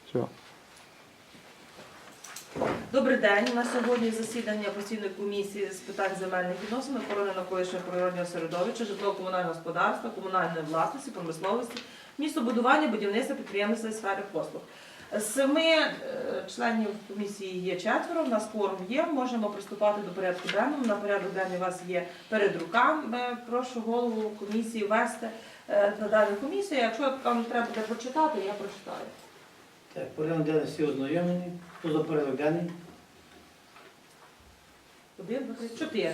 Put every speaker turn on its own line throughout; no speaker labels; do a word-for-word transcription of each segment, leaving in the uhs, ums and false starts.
Все.
Добрий день. На сьогодні засідання постійної комісії з питань земельних відносин, охорони навколишнього природнього середовища, житлово-комунального господарства, комунальної власності, промисловості, містобудування, будівництва, підприємництва і сфери послуг. З семи е, членів комісії є четверо, в нас кворум є, можемо приступати до порядку денного. На порядок денний у вас є перед руками. Прошу голову комісії ввести е, на дану комісію. Якщо вам треба буде прочитати, я прочитаю.
Так, порядок денний всі ознайомлені. Хто за порядок денний?
Один, два, три, чотири.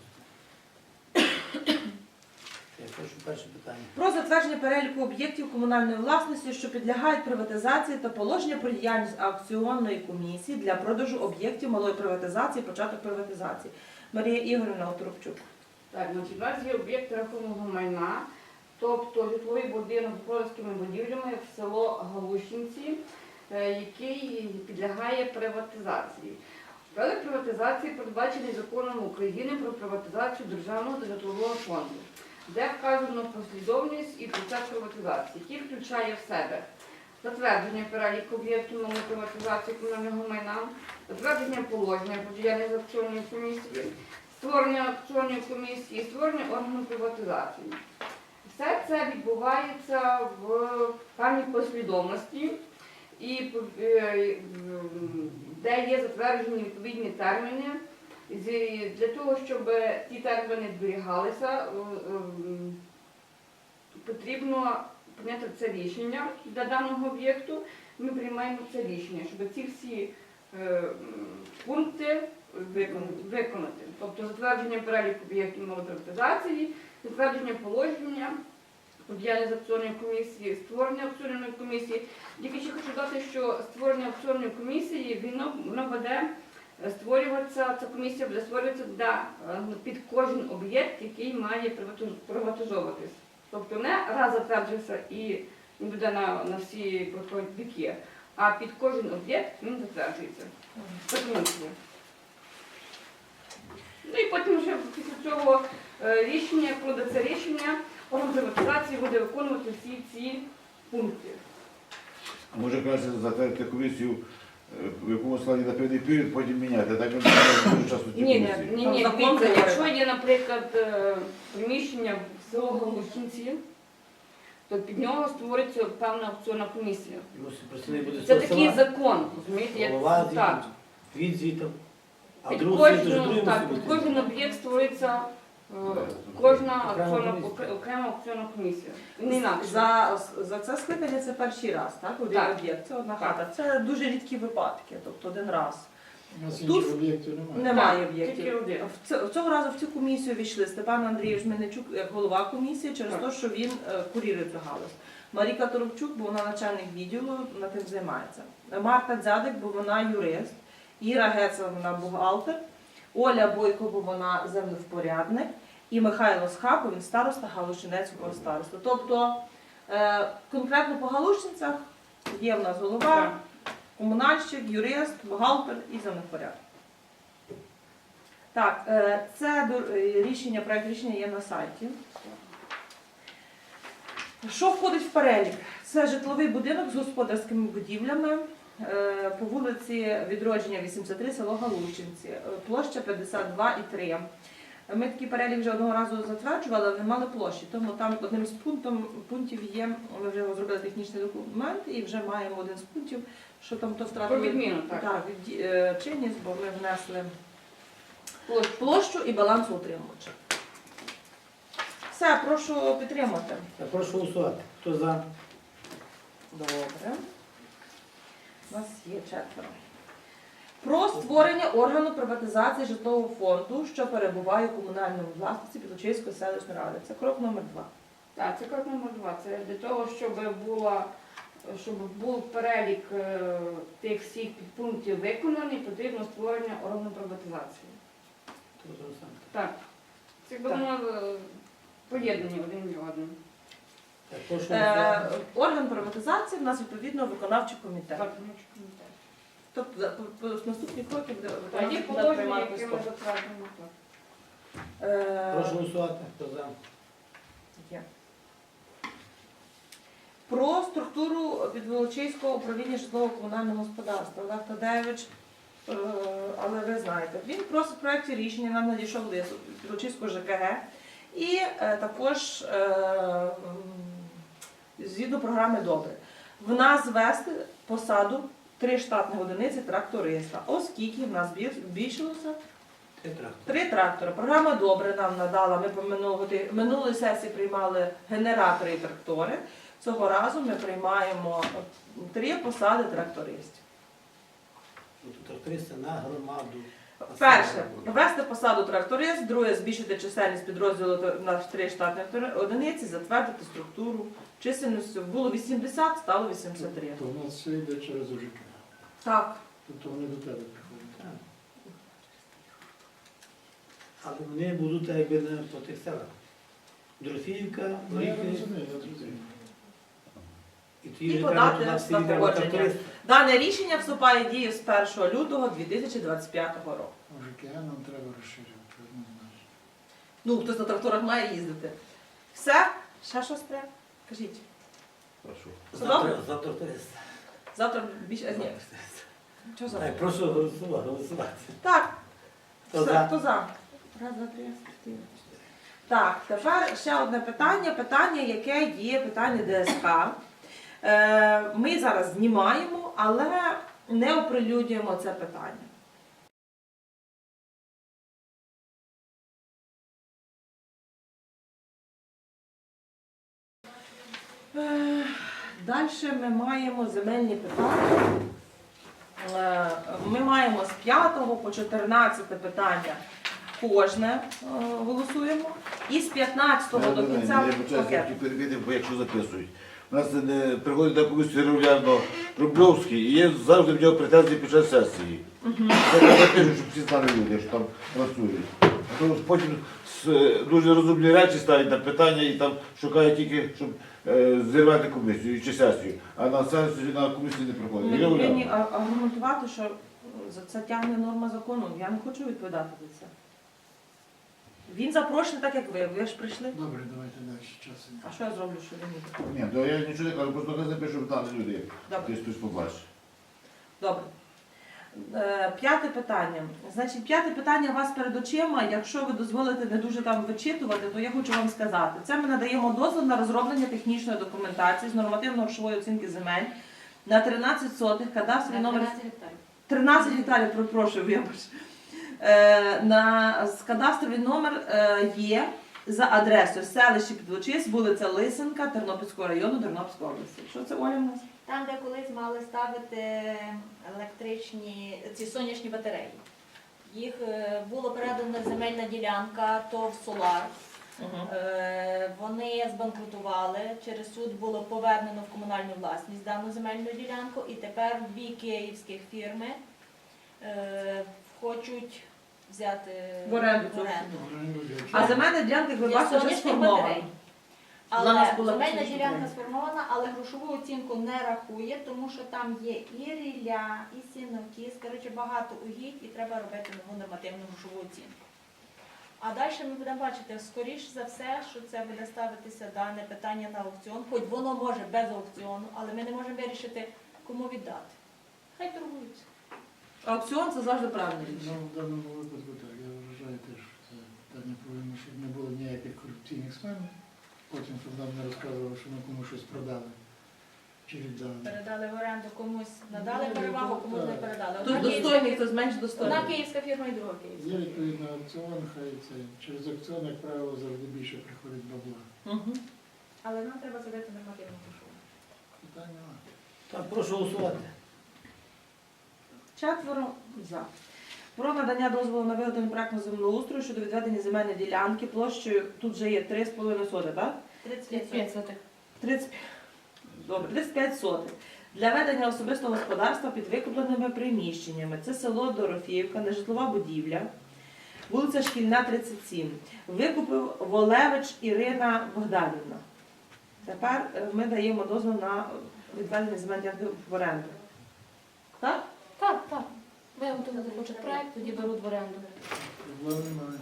Я прошу перше питання.
Про затвердження переліку об'єктів комунальної власності, що підлягають приватизації, та положення про діяльність аукціонної комісії для продажу об'єктів малої приватизації, початок приватизації. Марія Ігорівна Оторопчук.
Так, значить, у нас є об'єкт рахунного майна, тобто житловий будинок з господарськими будівлями в село Галущинці, е, який підлягає приватизації. Перелік приватизації передбачений законом України про приватизацію державного та житлового фонду, де вказано послідовність і процес приватизації, який включає в себе затвердження переліку об'єктів малої приватизації комунального майна, затвердження положення про діяльність аукціонної комісії, створення аукціонної комісії, створення органу приватизації. Все це відбувається в певній послідовності, і де є затверджені відповідні терміни. Для того, щоб ті терміни зберігалися, потрібно прийняти це рішення для даного об'єкту. Ми приймаємо це рішення, щоб ці всі пункти виконати. Тобто затвердження переліку об'єктів малої приватизації, затвердження положення про діяльність аукціонної комісії, створення аукціонної комісії. Тільки ще хочу додати, що створення аукціонної комісії, воно, воно буде створюватися, ця комісія буде створюватися для, під кожен об'єкт, який має приватизовуватись. Тобто не раз затверджується і він буде на, на всі віки, а під кожен об'єкт він затверджується. Це комісія. Ну і потім вже після цього рішення, як буде це рішення, орган приватизації буде виконувати всі ці пункти.
А може краще затвердити комісію, в якому складі на певний період, потім міняти, так ми не дуже часто ці
Ні, ні,
комісії.
ні,
Там
ні,
закон
дивіться,
говорить.
якщо є, наприклад, е, приміщення в село Галущинці, то під нього створиться певна аукціонна комісія.
Його працівник буде
Це
з
такий
села,
закон, розумієте, як
голова
це так.
звідти, від звідти. А
Під
другий світ, то ж
кожну,
другий
так,
мусить
під
бути.
кожен об'єкт створиться е, кожна
Окрема
аукціонна,
комісія.
окре- окрема аукціонна комісія. Не інакше.
За, за це скликання це перший раз, так? Один
Так.
об'єкт, це одна
Так.
хата. Це дуже рідкі випадки, тобто один раз.
У нас
Тут
інших об'єктів немає.
Немає
Так, тільки
об'єктів.
один.
В ц- Цього разу в цю комісію війшли Степан Андрійович Мельничук як голова комісії через
Так.
те, що він е, курірує цю галузь. Маріка Торопчук, бо вона начальник відділу, на тим займається. Марта Дзядик, бо вона юрист. Іра Гецова, вона бухгалтер. Оля Бойко, бо вона землевпорядник. І Михайло Схапов, він староста Галущинецького старосту. Тобто е, конкретно по Галущинцях є в нас голова,
Так.
комунальщик, юрист, бухгалтер і землевпорядник. Так, е, це до- е, рішення, проект рішення є на сайті. Що входить в перелік? Це житловий будинок з господарськими будівлями е, по вулиці Відродження, вісімдесят три, село Галущинці, е, площа п'ятдесят два і три. Ми такий перелік вже одного разу затверджували, але не мали площі, тому там одним з пунктом, пунктів є, ми вже зробили технічний документ і вже маємо один з пунктів, що там то втратили
Про відміну, так.
так, від- е, чинність, бо ми внесли
Площа.
площу і баланс утримувача. Все, прошу підтримати.
Я прошу голосувати. Хто за?
Добре. У нас є четверо. Про створення органу приватизації житлового фонду, що перебуває у комунальному власності Підлучиської селищної ради. Це крок номер два.
Так, це крок номер два. Це для того, щоб була, щоб був перелік е, тих всіх підпунктів виконаний, потрібно створення органу приватизації.
Хто за сам?
Так. Це якби
Так.
воно е, поєднані один між одним.
Так, прошу
Е,
голосувати.
орган приватизації в нас відповідно виконавчий комітет.
Так, ну, чекаю, так.
Тобто за- по- по- наступні кроки буде
А є
виконавчий комітет
положення,
приймати
яке ми
спосіб.
затверджуємо. так.
Е,
Прошу голосувати. Хто за?
Є. про структуру Підволочиського управління житлово-комунального господарства. Олег Тадеєвич, е, але ви знаєте, він просить в проєкті рішення, нам надійшов лист від Підволочиського ЖКГ, і е, також е, м, згідно програми «Добре». В нас ввести посаду три штатних одиниці тракториста, оскільки в нас збіль- збільшилося
Це трактор.
три трактори. Програма «Добре» нам надала, ми по минулої, минулої сесії приймали генератори і трактори. Цього разу ми приймаємо три посади трактористів.
Тракториста на громаду.
Перше, ввести посаду тракторист, друге, збільшити чисельність підрозділу на три штатних одиниці, затвердити структуру. Чисельністю було вісімдесят, стало вісімдесят три.
То в нас все йде через УЖК.
Так.
Тобто вони до тебе приходять.
Так. Але вони будуть так якби не по тих селах. Дрофіївка,
Ну, я
Оріхи,
розумію, я зрозумів.
і
І
тоді вже
подати
треба туди
на
всі віддати
погодження.
тракториста.
Дане рішення вступає в дію з першого лютого дві тисячі двадцять п'ятого року.
УЖК нам треба розширювати, однозначно.
Ну, хтось на тракторах має їздити. Все? Ще щось треба? Кажіть.
Прошу.
Все добре?
Завтра, завтра тракториста.
Завтра більше. Ні. Що за?
Так, прошу голосувати. голосувати.
Так.
Хто
Все,
за?
хто за? Раз, два, три, чотири. Так, тепер ще одне питання. Питання, яке є питання ДСК. Е, Ми зараз знімаємо, але не оприлюднюємо це питання. Е, Далі ми маємо земельні питання. Е, Ми маємо з п'ятого по чотирнадцяте питання кожне е, голосуємо. І з п'ятнадцятого до кінця
Я почав
пакет.
тільки перевірити, бо якщо записують. У нас не приходить на комісію регулярно Рубльовський, і є завжди в нього претензії під час сесії. Це я запишу, щоб всі знали люди, що там працюють. А то потім с- дуже розумні речі ставлять на питання і там шукають тільки, щоб е, зірвати комісію чи сесію. А на сесію на комісію не приходить.
Ми
І регулярно.
повинні а- аргументувати, що за це тягне норма закону. Я не хочу відповідати за це. Він запрошений так, як ви. Ви ж прийшли.
Добре, давайте далі. Часу.
А що я зроблю, що він не
Ні, то я нічого не кажу, просто не запишу, щоб знали люди.
Добре.
Десь хтось побачить.
Добре. Е, П'яте питання. Значить, п'яте питання у вас перед очима. Якщо ви дозволите не дуже там вичитувати, то я хочу вам сказати. Це ми надаємо дозвіл на розроблення технічної документації з нормативно-грошової оцінки земель на тринадцять сотих, кадастровий номер тринадцять гектарів, перепрошую, вибач. Е, на з кадастровий номер е, є за адресою селище Підволочиськ, вулиця Лисенка, Тернопільського району, Тернопільської області. Що це, Оля, в нас?
Там, де колись мали ставити електричні ці сонячні батареї. Їх е, було передана земельна ділянка, ТОВ «Солар». Е, Вони збанкрутували, через суд було повернено в комунальну власність дану земельну ділянку, і тепер дві київських фірми е, хочуть взяти
В оренду цю. А земельна ділянка, як ви
Для
бачите, вже
сонячних
сформована.
батарей.
Вона у нас
Але
була
земельна
фізична
ділянка
підтримка.
сформована, але грошову оцінку не рахує, тому що там є і рілля, і сінокіс, коротше, багато угідь, і треба робити нову нормативну грошову оцінку. А далі ми будемо бачити, скоріш за все, що це буде ставитися дане питання на аукціон, хоч воно може без аукціону, але ми не можемо вирішити, кому віддати. Хай торгуються.
Аукціон це завжди правильне
Ну,
рішення.
в даному випадку так. Я вважаю теж, що це питання повинно, щоб не було ніяких корупційних схем. Потім, щоб нам не розказували, що ми комусь щось продали. Чи віддали.
Передали в оренду комусь, надали
Ну,
перевагу,
так.
комусь не передали.
Хтось
Одна київська
достойний,
фір-
хтось менш
Одна
достойний.
київська фірма і друга київська.
Є відповідно аукціон, хай це. Через аукціон, як правило, завжди більше приходить бабла.
Мгм.
Але нам треба зробити нормативну грошову.
Питань немає.
Так, прошу голосувати.
Четверо за. Про надання дозволу на виготовлення проектного землеустрою щодо відведення земельної ділянки площею, тут вже є три з половиною соти, так?
тридцять п'ять сотих.
тридцять п'ять. Добре, тридцять п'ять сотих. Для ведення особистого господарства під викупленими приміщеннями. Це село Дорофіївка, нежитлова будівля, вулиця Шкільна, тридцять сім. Викупив Волевич Ірина Богданівна. Тепер е, ми даємо дозвіл на відведення земельної ділянки в оренду. Так?
Так, так. Виготовили захочуть проект, тоді беруть в оренду.
Проблем немає.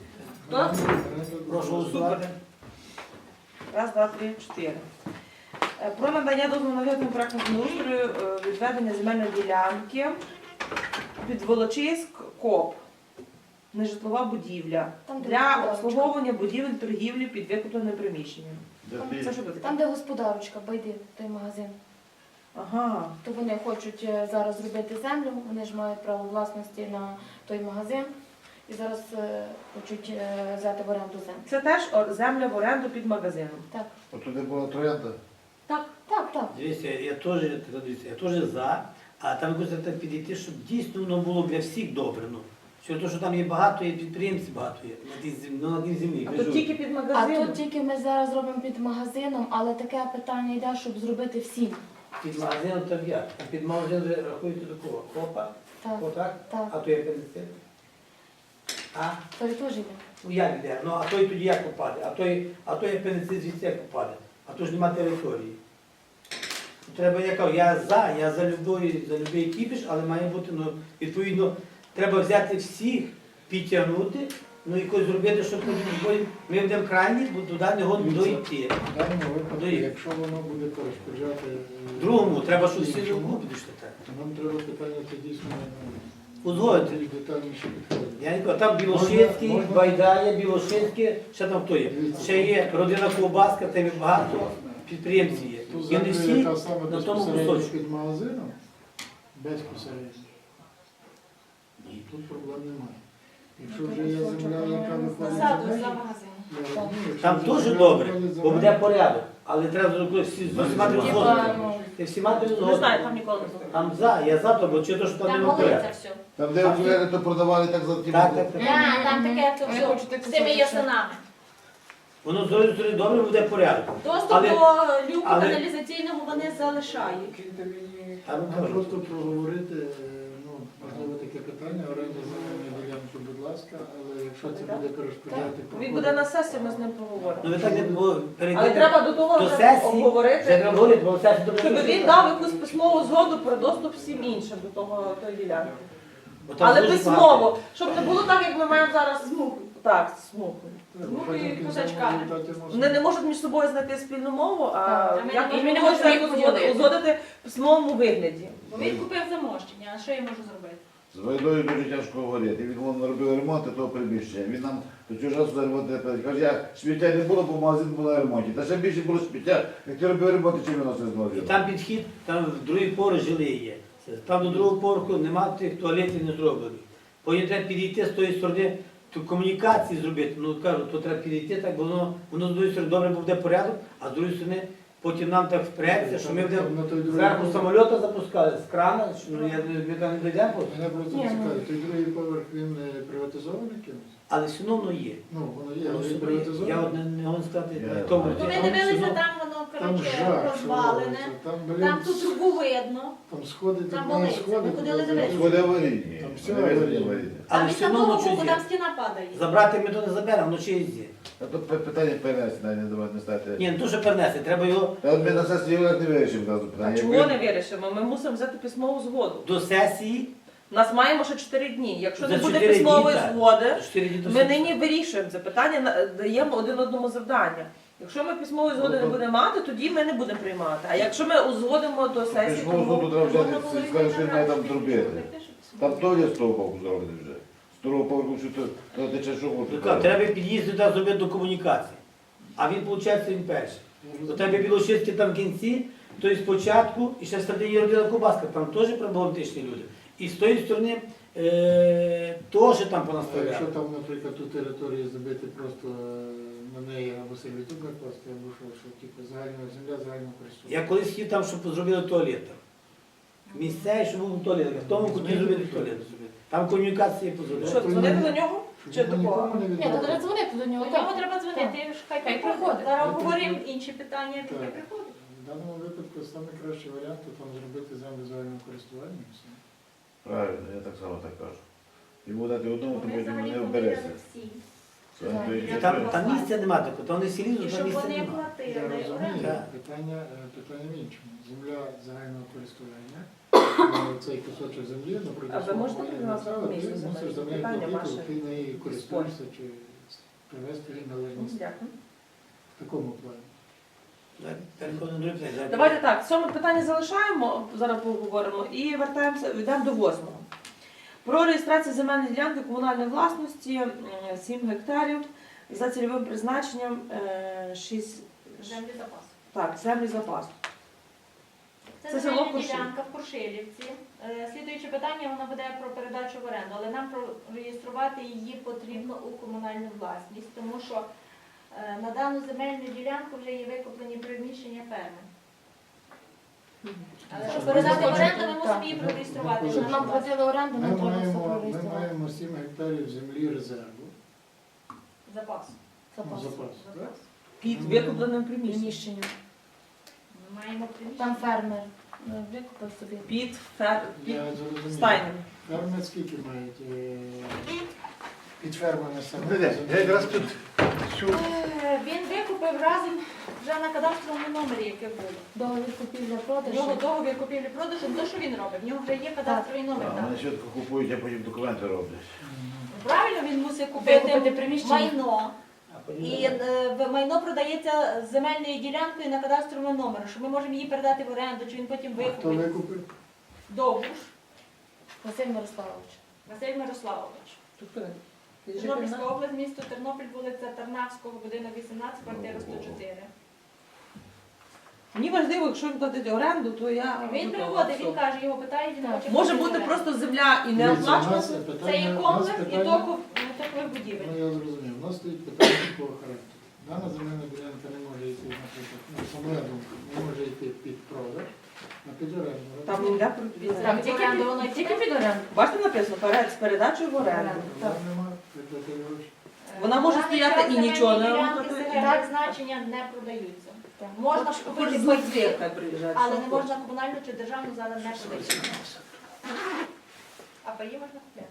Хто?
Прошу голосувати.
Раз, два, три, чотири. Е, Про надання дозволу на виготовлення проектного землеустрою е, відведення земельної ділянки під Волочиськ КОП. Нежитлова будівля
Там, де
для
господарочка.
обслуговування будівель торгівлі під викупленим приміщенням.
Де
Там
ти?
Це що таке?
Там, де господарочка, байди, той магазин.
Ага.
То вони хочуть е, зараз зробити землю, вони ж мають право власності на той магазин. І зараз е, хочуть е, взяти в оренду землю.
Це теж о- земля в оренду під магазином.
Так,
От туди була троянда.
так, так, так.
Дивіться, я теж, дивіться, я теж за, а там якось треба підійти, щоб дійсно воно було для всіх добре. Ну. Що то, що там є багато, є підприємців багато є, на тій землі, ну, на тій землі.
А
ви
тут
ж-
тільки під
А
магазином.
тут тільки ми зараз робимо під магазином, але таке питання йде, щоб зробити всім.
Під магазином там як? А під магазином ви рахуєте до кого? Копа?
Так,
Отак?
так.
А то є пенсія? А?
Той теж йде.
Ну як йде? Ну а той тоді як попаде? А той, а той апендицит звідси як попаде? А то ж нема території. Треба, я кажу, я за, я за любий, за любий кіпіш, але має бути, ну, відповідно, треба взяти всіх, підтягнути, ну і якось зробити, щоб потім ми будемо крайні, бо туди не годно дойти.
В даному випадку,
Доїхати.
якщо воно буде перешкоджати е,
Другому, треба, щоб всі
іншому,
руку підійшли так.
то нам треба питання це дійсно
Узгодити.
більш детальніше підходити.
Я не кажу, там Білошинський,
Можна- можна-
Байдає, Білошинське, ще там хто є? Ще є родина Ковбаска, там є багато підприємців є.
Ту
І
землю,
не всі
яка саме
на тому
безпосередньо
кусочку.
під магазином, безпосередньо. І тут проблем немає. Якщо вже є земля, яка виходить за
Назаду
межі,
за магазин.
я розумію, якщо
Там
вже
теж
земля
добре,
виходить за
бо
межі,
буде порядок. Але треба зробити всі з усіма
Типа,
згодити.
ну,
Ти всіма ти
Не знаю,
згодити.
там ніколи не було.
Там за, я за то, бо чи то, що там
Там
нема
голиться
порядку.
все.
Там, де окуляри, то продавали так за ті.
Так, так, так.
Так, там таке то
Вони
все
хочуть так
з тими
кусочок.
ясенами.
Воно з однієї сторони добре буде порядок.
Доступ
Але-
до люку
але-
каналізаційного вони залишають.
Там
Нам
кажуть,
просто проговорити, е, ну, можливо, таке питання, оренда земельної ділянки, будь ласка, але якщо це буде перешкоджати...
Він буде на сесії, ми з ним
ну
поговоримо.
ви так не було перейти.
Але треба до того
до
вже
сесії, Вже
обговорити,
треба говорити, бо сесія добре.
щоб він дав якусь письмову згоду про доступ всім іншим до того тої ділянки.
Бо там
Але
дуже
письмово,
багато.
щоб не було так, як ми маємо зараз змуху. Так, змуху.
Треба
Ну, і
потім в
козачка.
кінцевому результаті мусимо-
Вони не можуть між собою знайти спільну мову, а
Так, а ми
як
не
і ми не
можемо
можемо
їх
якось
поділити.
узгодити в письмовому вигляді.
Бо він купив замощення, а що я можу зробити?
З Войною дуже тяжко говорити. Він вон робив ремонт того приміщення. Він нам до цього часу за ремонт не платить. Каже, я сміття не було, бо магазин був на ремонті. Та ще більше було сміття, як ти робив ремонт, чим він носив з
І
магазину.
там підхід, там в другий поверх жили є. Це- Там до другого поверху нема тих туалетів не зроблені. Потім треба підійти з тої сторони, ту комунікації зробити. Ну кажу, то треба підійти, так бо воно, воно з однієї сторони добре буде порядок, а з другої сторони потім нам так впреться, що ми будемо
На той другий
зверху
поверх-
самольота запускали, з крана, що ну, я, ми там не дійдемо,
Мене просто
Ні, ну.
цікавить, той другий поверх, він е, приватизований кимось?
але все одно воно є.
Ну, воно є,
Воно
але
все
він
одно є.
приватизований.
Я от не, не можу сказати,
Я-
в тому.
Ну,
Ну,
де.
ми
Але все
дивилися,
одно-
там воно,
Там
коротше,
жах, що
розвалене.
робиться. Там, блін,
Там ту трубу видно.
там сходи,
там
тут не
болиться.
сходи.
Ми ходили
туди
дивитися.
Сходи аварійні.
Там все
Не везені
аварійні.
аварійні.
А
Але
від
все одно
самого
воно щось
боку
є.
там стіна падає.
Забрати ми то не заберемо, воно ще є.
А тут пи- питання перенести, навіть не давати не стати.
Ні, не то, що перенести, треба його
Та от ми на сесії його не вирішимо зразу
А
питання.
чого
Якби-
не вирішимо? Ми мусимо взяти письмову згоду.
до сесії.
У нас маємо ще чотири дні. Якщо не
За
буде
чотири дні,
письмової
так.
згоди,
чотири дні до
ми
сесії.
нині вирішуємо це питання, на- даємо один одному завдання. Якщо ми письмової згоди не будемо мати, тоді ми не будемо приймати. А якщо ми узгодимо до сесії,
Письмову згоду
то
треба
Можна
взяти,
було і
скажеш, що він має там
забрати,
зробити.
що
Там то є з того боку зроблено вже. З того поверху, що то, то тече що
Ну,
хоче.
так, треба під'їзд туди зробити до комунікації. А він, виходить, він перший. До тебе Білошинський там в кінці, то і спочатку, і ще стати є родина Кубаска, там теж проблематичні люди. І з тої сторони е, теж там
А якщо
понаставляли.
там, наприклад, ту територію забити просто е, на неї або сервітут накласти, або що, що типу загальна земля, загального користування.
Я колись хотів там, щоб зробили туалет. там. Місцевий, щоб був туалет. В тому куті зробили туалет. Там комунікації
що,
позробили.
дзвонити до нього? Чи
Щоб
до
нікому
кого?
не
Ні, то треба
відмовити.
дзвонити до нього.
До
так.
нього треба дзвонити, хай
Хай
приходить.
приходить.
Зараз
Ну,
обговоримо
тоді-
інші питання,
Так.
таке приходить.
В даному випадку найкращий варіант то там зробити землю загального користування. і все.
Правильно, я так само так кажу. Йому дати одному, то
Вони
потім
взагалі
не вбереться.
поміряли всі.
Це то є-
І там, там місця немає такого, там не селі,
І
там
щоб
місця
вони
немає.
Я
платили
розумію,
оренду.
Так.
питання, е, питання в іншому. Земля загального користування, е, цей кусочок землі, наприклад,
А ви можете
свого
привести
маєтку,
комісію
ти
за
мусиш
мене?
за неї
Питання
платити,
ваше.
ти нею користуєшся чи привести її належність
Дякую.
в такому плані.
Переходимо до другого питання.
Давайте так, сьоме питання залишаємо, зараз поговоримо, і вертаємося, йдемо до восьмого. Про реєстрацію земельної ділянки комунальної власності м, сім гектарів за цільовим призначенням е, шість,
Землі запасу.
так, землі запасу.
Це,
Це
земельна
село Куршилів.
ділянка в Куршилівці. Е, Слідуюче питання, воно буде про передачу в оренду, але нам реєструвати її потрібно у комунальну власність, тому що е, на дану земельну ділянку вже є викуплені приміщення ферми. Але щоб передати в оренду, ми мусимо її прореєструвати.
Щоб нам платили оренду,
Ми
нам треба все
маємо, ми
прореєструвати.
маємо сім гектарів землі резерву,
Запасу.
ну,
Запас.
запасу, так?
Під викупленим приміщенням.
Приміщення.
Ми маємо приміщення.
Там фермер е, викупив собі.
Під, фер... під
Я зрозумів.
стайнем.
Ферми скільки мають е, під фермами саме?
Я якраз тут
Е, Він викупив разом вже на кадастровому номері, яке було.
Договір купівля
В
продажу.
нього договір купівлі-продажу, не то, що він робить, в нього вже є кадастровий номер.
а,
там.
мене швидко купують, а потім документи роблять.
Правильно, він мусить
Викупити
купити
приміщення.
майно.
А потім
І е, в- майно продається з земельною ділянкою на кадастровому номері, що ми можемо її передати в оренду, чи він потім
Хто
викупить.
викупив?
Довгуш
Василь Мирославович.
Василь Мирославович.
Тобто,
Тернопільська область, місто Тернопіль, вулиця Тарнавського, будинок вісімнадцять, квартира сто чотири.
Мені важливо, якщо він платить оренду, то я...
Він
готова.
приходить, він
Все.
каже, його питають, він
Так.
хоче
Може
купити
бути
оренду.
просто земля і не
Дивіться, у нас
оплачувати.
питання-
Це є
у нас
комплекс і
питання-
току токових будівель.
Ну, я зрозумів. У нас стоїть питання такого характеру. Дана земельна ділянка не може йти, наприклад, ну, це моя думка, не може йти під продаж, а під оренду.
Там не йде про
Там
Тільки
тільки
під-
під воно тільки під оренду.
Бачите, написано перед з передачею в оренду.
Там нема віддати гроші.
Вона може
На даний
стояти
час
і нічого не
земельні
робити.
ділянки так значення не продаються.
Так.
Можна
Хоч
купити
з
паї,
Литви приїжджати.
але
що
не
хочеш.
можна комунальну чи державну зараз не продається. А паї можна купити.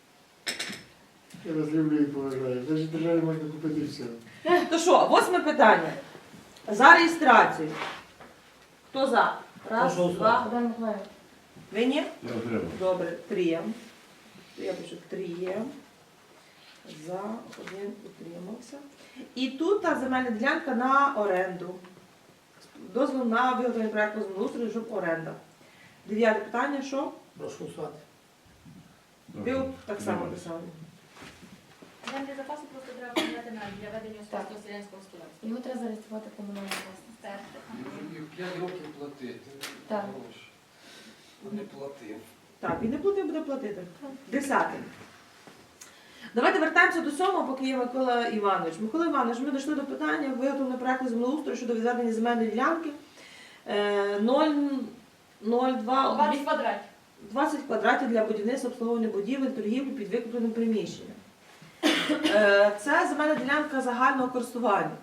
Я вас люблю і поважаю. Навіть державі можна купити все.
То що, восьме питання. За реєстрацію. Хто за? Раз,
Прошу
два.
Богдан Миколаївич.
Ви ні?
Я отримав.
Добре, три. Я пишу три. За, один утримався. І тут та земельна ділянка на оренду. Дозвіл на виготовлення проєкту землеустрою, щоб оренда. Дев'яте питання, що?
Прошу голосувати.
Ви так само писали.
Землі запасу просто треба поміняти на для ведення особистого селянського господарства.
Його треба зареєструвати в комунальну власність.
Перше.
Їх п'ять років платити.
Так.
Гроші. Не платив.
Так, він не платив, буде платити. Десяте. Давайте вертаємося до сьомого, поки є Микола Іванович. Микола Іванович, ми дійшли до питання виготовлення проєкту землеустрою щодо відведення земельної ділянки е, нуль нуль два
двадцять квадратів.
двадцять квадратів для будівництва обслуговування будівель, торгівлі під викупленим приміщенням. Е, Це земельна ділянка загального користування.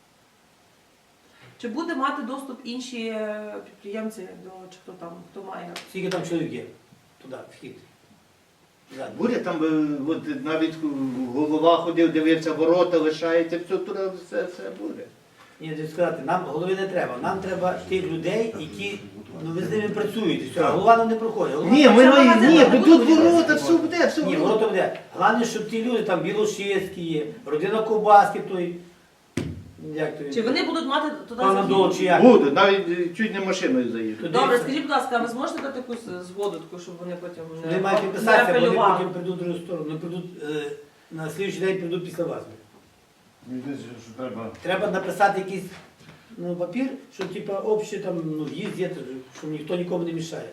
Чи буде мати доступ інші е, підприємці до чи хто там, хто має?
Скільки там чоловік є? Туди, вхід. Ззаду.
Буде там, е, от навіть голова ходив, дивився, ворота лишається, все туди, все, все буде.
Ні, я хочу сказати, нам голови не треба. Нам треба тих людей, які ну, ви з ними працюєте. Все, а голова нам не проходить. Голова-
Ні, ми
Це
маємо,
магазин,
ні,
не
бо
буде
тут
будівництва.
ворота, все буде, все
Ні,
буде.
ворота буде. Головне, щоб ті люди, там Білошевські є, родина Ковбаски той. Як то він?
Чи вони будуть мати туди
Пан
захід?
Андол, чи як?
Буде, навіть е, чуть не машиною заїду.
Туди
Добре,
все.
скажіть, будь ласка, ви зможете дати якусь згоду, таку, щоб вони потім не,
Вони мають
не
підписатися, бо вони
апелювали?
потім прийдуть в другу сторону. Вони прийдуть, е, на слідчий день прийдуть після вас.
Мені здається, що треба.
Треба написати якийсь ну, папір, що типа общий там ну, в'їзд є, щоб ніхто нікому не мішає.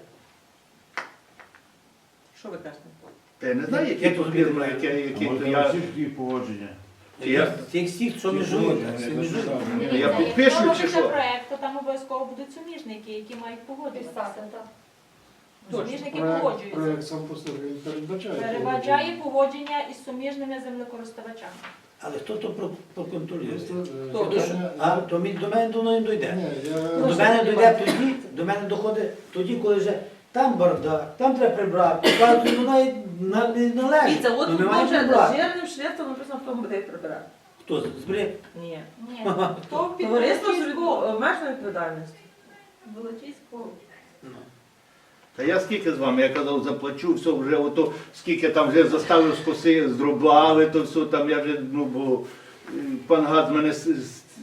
Що ви кажете?
Та я не знаю, які
Як
тут
тут
фірми,
буде?
які,
А
які то
може
я.
всіх їх погодження.
Чи я-
Тих всіх, що межують, так, всі межують.
Я
Дивіться,
підпишу,
якщо
чи
робиться
що?
проект, то там обов'язково будуть суміжники, які мають погоджуватися. Суміжники
Проект,
погоджуються.
проект сам по собі він передбачає.
Передбачає погодження із суміжними землекористувачами.
Але хто то про- проконтролює?
Просто, е,
Хто?
питання-
А то мі- до мене до не дойде.
Ні, я...
До мене дойде тоді, до мене доходить тоді, коли вже там бардак, там треба прибрати. Кажуть, ну навіть на- не належить.
Дивіться, от
Ну,
тут
ми маємо
вже
прибрати.
жирним шрифтом написано, хто буде їх прибирати.
Хто збере?
Ні.
Ні. То під
Товариство з
Волочиську.
обмеженою відповідальністю.
Волочиську.
Ну.
Та я скільки з вами, я казав, заплачу, все вже ото, скільки там вже заставив скоси, зробили, то все там я вже, ну бо е, пан Гад мене с- с-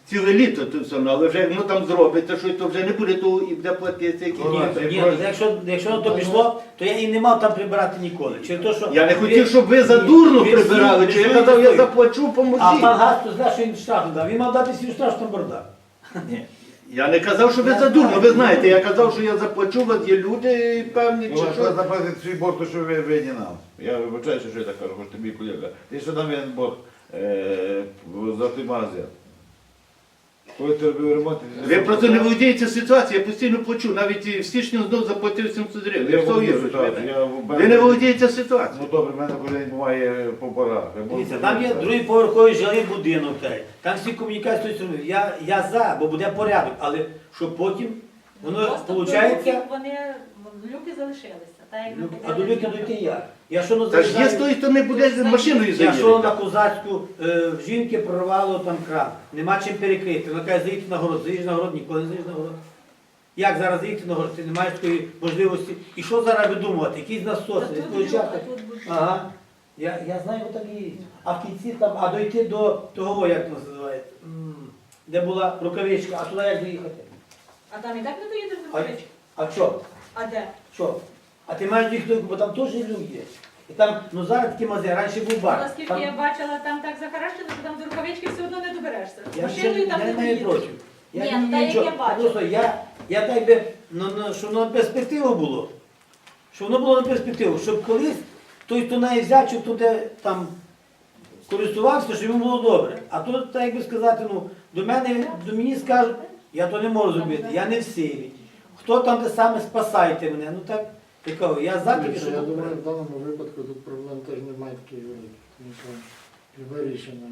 ціле літо то все, ну, але вже як воно там зробиться, що то вже не буде того і буде платитися якісь.
Ну,
Ні, ні, ну, якщо, якщо на то пішло, то я і не мав там прибирати ніколи. Через те, що
Я не
ви-
хотів, щоб ви задурно
ви всі
прибирали, чи я
працюєте
казав, я
тою.
заплачу,
А
поможіть.
пан Газ, то знає, що він штраф не дав. Він мав дати свій штраф, що там бардак.
Ні. Я не казав, що ви
Я
задурно,
знаю.
ви знаєте, я казав, що я заплачу, у вас є люди певні,
Ну,
чи
а
що.
що заплатити свій борг, то що ви винні нам. Я вибачаюся, що я так кажу, хоч тобі колега. Ти що нам винен борг е, за той магазин? Коли ти робив ремонт, ти
Ви просто не володієте ситуацією, я постійно плачу, навіть і в січні знов заплатив сімсот гривень.
Я
Я все
володію
вірю,
ситуацією, я в
Ви не володієте ситуацією.
Ну добре, в мене кожен день буває по порах. Я можу
Дивіться, там є
сказати.
другий поверховий жилий будинок, та й там всі комунікації з тою стороною. Я, я за, бо буде порядок, але щоб потім воно
Просто до
виходить.
люків вони люки залишилися. Так, як ми
А до люки дойти як? Я що не
Та ж є з тої сторони буде машиною
Я що на
заїхати.
Козацьку, е, в жінки прорвало там кран, нема чим перекрити. Вона каже, заїдьте на город, заїдеш на город, ніколи не заїдеш на город. Як зараз заїхати на город, ти не маєш такої можливості. І що зараз видумувати? Якісь насоси,
Та тут
відключати?
люк, а тут будь-
Ага. Я, я знаю, бо так і є. А в кінці там, а дойти до того, як це називається, М, де була рукавичка, а туди як доїхати?
А там і так не доїдеш до
А,
Крички?
а що?
А де?
Що? А ти маєш доїхати, бо там теж люк є. І там, ну зараз такі мази, раніше був бар.
Наскільки
Там-
я бачила, там так захаращено, що там до рукавички все одно не доберешся.
Я
Машиною
ще-
там
я
не
не маю
доїдеш.
проти. Я
Ні,
не
ну, та як
нічого.
я бачу.
Просто я, я так би, ну, ну, щоб на перспективу було. Щоб воно було на перспективу, щоб колись той, хто неї взяв, чи хто де там користувався, щоб йому було добре. А тут, так як би сказати, ну, до мене, до мені скажуть, я то не можу зробити, я не в силі. Хто там те саме, спасайте мене. Ну так, я кажу, я за тільки,
Дивіться,
щоб
Я
було
думаю, в
добре.
даному випадку тут проблем теж немає таких великих, тому що любе рішення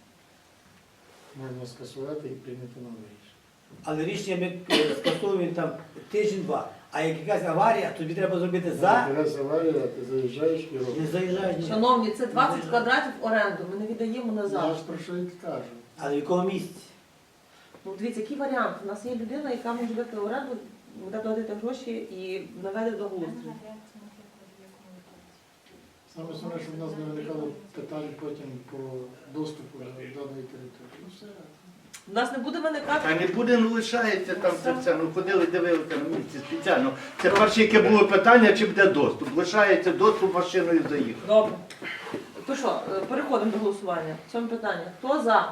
можна скасувати і прийняти нове рішення.
Але рішення ми е, скасовуємо там тиждень-два. А як якась аварія, тобі треба зробити за,
Раз аварія, ти заїжджаєш і
не
робиш.
заїжджаєш ні.
Шановні, це двадцять квадратів оренду, ми не віддаємо
Я
назад.
ж про що і кажу.
Але в якому місці?
Ну, дивіться, який варіант? У нас є людина, яка може дати оренду, буде платити гроші і наведе до глузду.
Саме основне, щоб в нас не виникало питань потім по доступу до даної території. Ну все.
У нас не буде
А
виникати.
не буде, ну лишається там це все. Ну ходили, дивилися на місці спеціально. Це перше, яке було питання, чи буде доступ. Лишається доступ машиною заїхати.
Добре. То що, е, переходимо до голосування. Сьоме питання. Хто за?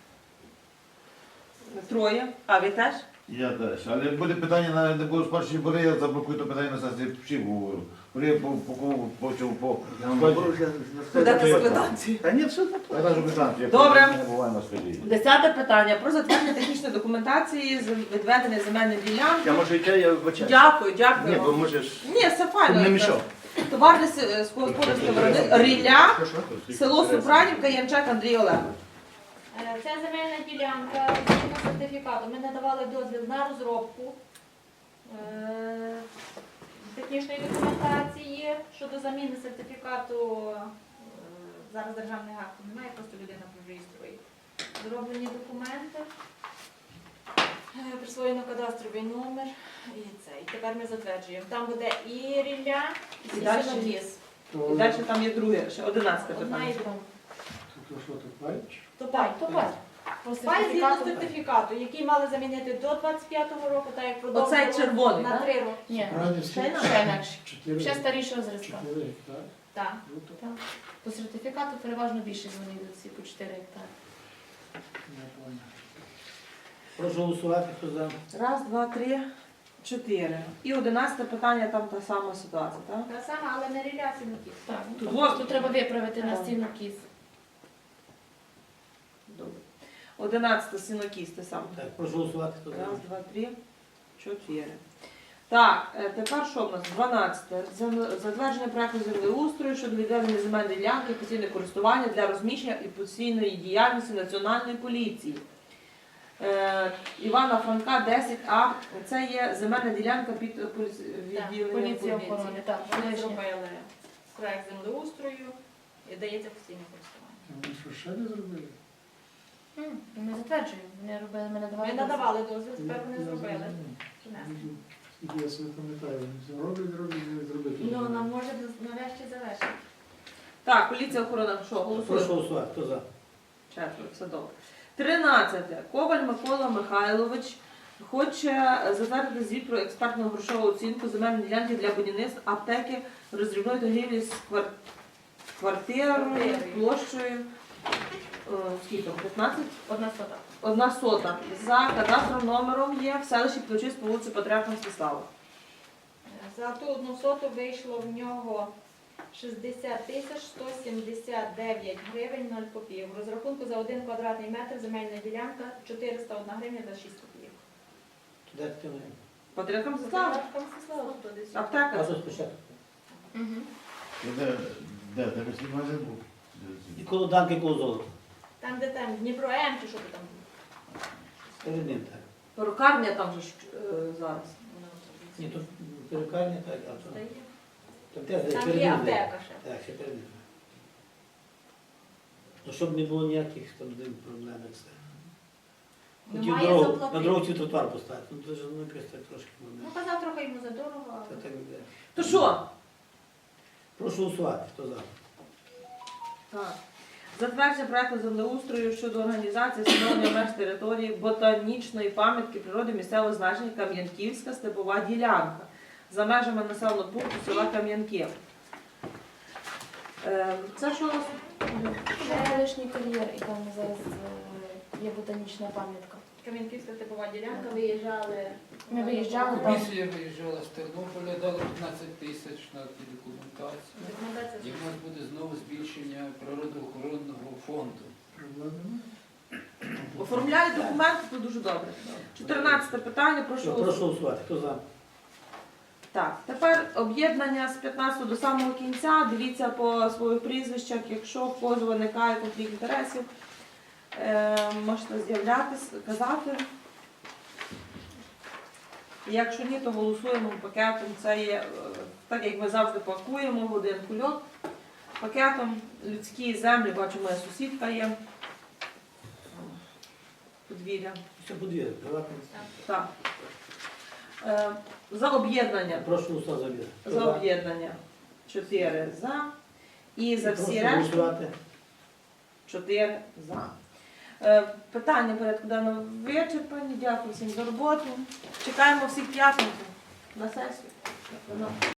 Троє. А ви теж?
Я теж. Але як буде питання, на не було спершу бори, я заблокую то питання на сесії всіх говорю. Бори я по по кому по цьому по.
Будете з квитанції.
Та ні, все
Я
заплатив.
навіть квитанцію, я
Добре.
не буваю на столі.
Десяте питання. Про затвердження технічної документації з відведення земельної ділянки.
Я можу йти, я вибачаю.
Дякую,
Ні,
дякую.
бо можеш.
Ні, все
Щоб
файно.
не мішав.
Товарне сільськогосподарське виробництво Рілля, село Супранівка, Янчак Андрій Олегович.
Е, Ця земельна ділянка згідно сертифікату. Ми надавали дозвіл на розробку е, технічної документації щодо заміни сертифікату. е, Зараз державний акт немає, просто людина реєструє. Зроблені документи, е, присвоєно кадастровий номер і це. І тепер ми затверджуємо. Там буде і рілля, і
І далі?
сінокіс.
І далі там є друге, ще одинадцяте
Одна
питання.
і друга.
То що тут бачиш?
То пай, то пай.
По
Пай згідно
сертифікату.
сертифікату, який мали замінити до двадцять п'ятого року, так як продовжували
Оцей червоний,
на
так?
три роки.
Ні,
Радівський?
Ще
ще інакше.
Чотири.
Ще старішого зразка.
Чотири гектари.
Так.
Круто.
Так. По сертифікату переважно більше вони йдуть всі по чотири гектари.
Я понял.
Прошу голосувати, хто за.
Раз, два, три, чотири. І одинадцяте питання, там та сама ситуація, так?
Та сама, але не ріля сінокіс.
Так,
Тут
тут
вот-
просто треба виправити на
Так.
стіну кіз.
Добре. Одинадцяте сінокіс, те саме.
Так, прошу голосувати, хто за.
Раз, два, три, чотири. Так, е, тепер що в нас? дванадцяте. Зем- Затвердження проекту землеустрою щодо відведення земельної ділянки постійне користування для розміщення і постійної діяльності Національної поліції. Е, Івана Франка, десять А. Це є земельна ділянка під е, поліці-
Так,
відділенням
Поліція
поліції.
охорони, так.
Вони
колишня.
зробили проект землеустрою і дається постійне користування.
Вони що ще не зробили?
М, Ми затверджуємо. Вони робили, ми надавали.
Ми
дозвіл.
надавали дозвіл, тепер вони
Я
зробили.
зрозумів.
Принесли.
Скільки я собі пам'ятаю, вони все роблять, роблять, не зробити.
Ну, нам може нарешті завершити.
Так, поліція охорона, що,
Прошу
голосуємо?
голосувати, хто за.
Четверо, все добре. Тринадцяте. Коваль Микола Михайлович хоче затвердити звіт про експертну грошову оцінку земельної ділянки для будівництва аптеки роздрібної торгівлі з квар- квартирою, площею е, скільки там, п'ятнадцять?
Одна сота.
Одна сота. За кадастровим номером є в селищі Ключиць по вулиці Патріарха Мстислава.
За ту одну соту вийшло в нього шістдесят тисяч сто сімдесят дев'ять гривень нуль копійок. В розрахунку за один квадратний метр земельна ділянка чотириста одна гривня за шість копійок.
Туди ти не.
Патріарха Мстислава?
Там Мстислава тут десь.
А
Аптека.
то спочатку.
Мгм.
Де, де, де весь магазин був?
І коло Данки, коло золота.
Там, де там Дніпро М чи що ти там?
Перед ним так.
Перукарня там же ж, е, зараз.
Ні, тут перукарня так, а то.
Та є.
Там теж
Там
перед
є
ним.
аптека ще.
Так, ще перед ним. Ну, щоб не було ніяких там з ним проблем. як це. Хотів
Немає
дорогу,
заплатити.
на дорогу хотів тротуар поставити. Ну, це ж ну, якось так трошки.
Ну,
Ну,
казав трохи йому за дорого,
це
але...
так іде.
То що?
Прошу голосувати, хто за.
Так. Затвердження проекту землеустрою щодо організації встановлення меж території ботанічної пам'ятки природи місцевого значення Кам'янківська степова ділянка за межами населеного пункту села Кам'янки. Е, Це що у нас?
Це колишній кар'єр, і там зараз е, є ботанічна пам'ятка.
Кам'янківська степова ділянка, виїжджали...
Ми виїжджали там.
Комісія виїжджала з Тернополя, дала п'ятнадцять тисяч на ті документацію.
Документація.
І в нас буде знову збільшення природоохоронного фонду.
Проблеми немає.
Оформляють документи, це дуже добре. чотирнадцяте питання, прошу
Що,
голосувати.
прошу голосувати, хто за.
Так, тепер об'єднання з п'ятнадцятого до самого кінця. Дивіться по своїх прізвищах, якщо в когось виникає конфлікт інтересів, е, можете з'являтися, казати. Якщо ні, то голосуємо пакетом. Це є, е, так як ми завжди пакуємо в один кульок. Пакетом людські землі, бачу, моя сусідка є. Подвір'я.
Все подвір'я, приватне.
Так. Е, За об'єднання.
Прошу голосувати за об'єднання. Хто
За об'єднання чотири за. І за всі
Прошу
решти
голосувати.
чотири за. Е, Питання порядку денного вичерпані. Дякую всім за роботу. Чекаємо всіх п'ятницю на сесію.